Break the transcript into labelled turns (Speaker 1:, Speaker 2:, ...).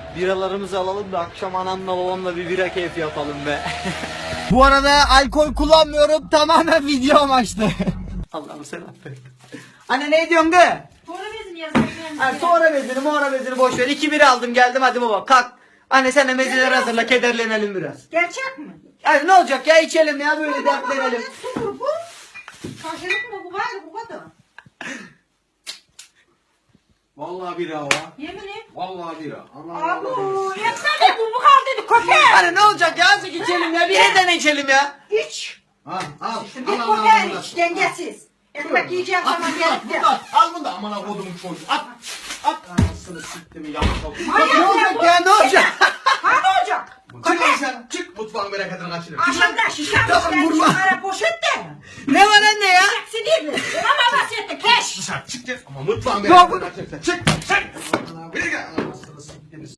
Speaker 1: Biralarımızı alalım da akşam anamla babamla bir bira keyfi yapalım be.
Speaker 2: Bu arada alkol kullanmıyorum, tamamen video amaçlı.
Speaker 1: Allah'ım sen affet. Anne ne diyorsun kız?
Speaker 3: Sonra bezini yazayım.
Speaker 1: Hani sonra bezini boş ver. 2 bira aldım geldim hadi baba kalk. Anne sen de mezeleri hazırla kederlenelim biraz.
Speaker 3: Gerçek mi?
Speaker 1: Hani ne olacak ya içelim ya böyle dertlenelim.
Speaker 3: Su bu. Karşılık mı bu var bu kadar.
Speaker 4: Vallahi bira o.
Speaker 3: Yemin et.
Speaker 4: Vallahi bira. Allah
Speaker 3: Abu yetsene bu kaldı köpek.
Speaker 1: Hani ne olacak ya azıcık içelim ya bir yerden içelim ya.
Speaker 3: İç.
Speaker 4: Al al.
Speaker 3: Bir köpeğin iç dengesiz. Ekmek yiyeceğim zaman gelip de.
Speaker 4: Al bunu da amına kodumun çocuğu. At. At. Anasını siktimi yanlış oldu.
Speaker 1: Ne olacak ya ne olacak?
Speaker 3: Ha ne olacak?
Speaker 4: Çık lan sen. Çık mutfağın bereketini kaçırır.
Speaker 3: Aşağıda şişen
Speaker 1: vurma.
Speaker 3: şişen poşet de.
Speaker 1: Ne var anne ya?
Speaker 3: Sinirli. Ama bahsetti keş.
Speaker 4: Dışarı çık. Ama mutfağın bereketini kaçırır. Çık.